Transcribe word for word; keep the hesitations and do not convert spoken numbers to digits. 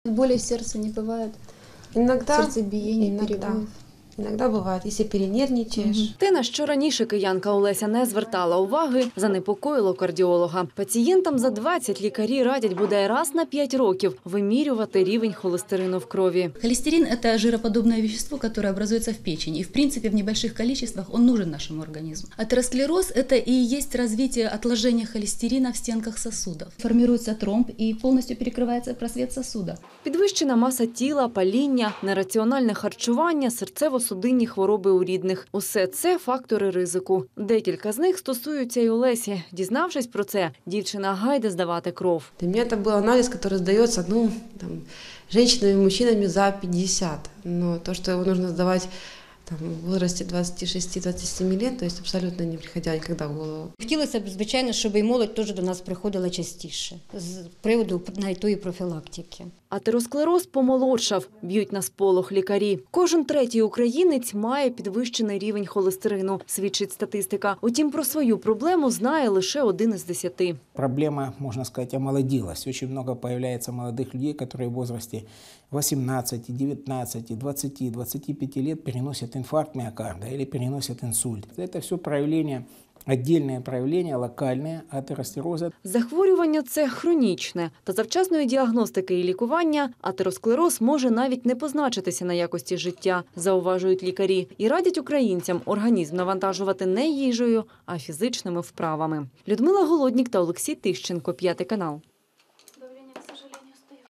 Боли в сердце не бывает? Иногда, Сердцебиение, иногда. перебоев? Іноді буває, якщо перенервничаєш. Те, на що раніше киянка Олеся не звертала уваги, занепокоїло кардіолога. Пацієнтам за двадцять лікарі радять бодай раз на п'ять років вимірювати рівень холестерину в крові. Холестерин – это жироподобное вещество, которое образуется в печени. И, в принципе, в небольших количествах он нужен нашему организму. Атеросклероз – это и есть развитие отложения холестерина в стенках сосудов. Формируется тромб и полностью перекрывается просвет сосуда. Підвищена маса тіла, паління, нераціональне харчування, серцево-судинні хвороби у рідних – усе це фактори ризику. Декілька з них стосуються й Олесі. Дізнавшись про це, дівчина гайде здавати кров. Для меня это был анализ, который сдается, ну, там, женщинами и мужчинами за пятьдесят. Но то, что его нужно сдавать там, в возрасте двадцати шести - двадцати семи лет, то есть абсолютно не приходя никогда в голову. Хотілося б, звичайно, щоб і молодь теж до нас приходила частіше з приводу навіть тої профілактики. Атеросклероз помолодшав, б'ють на сполох лікарі. Кожен третій українець має підвищений рівень холестерину, свідчить статистика. Утім, про свою проблему знає лише один із десяти. Проблема, можно сказать, омолодилась. Очень много появляется молодых людей, которые в возрасте восемнадцати, девятнадцати, двадцати, двадцати пяти лет переносят инфаркт миокарда или переносят инсульт. Это все проявление, отдельные проявления, локальные атеросклероза. Захворювання – це хронічне. Та за вчасної діагностики і лікування атеросклероз може навіть не позначитися на якості життя, зауважують лікарі. І радять українцям організм навантажувати не їжею, а фізичними вправами. Людмила Голоднік та Олексій Тищенко, п'ятий канал.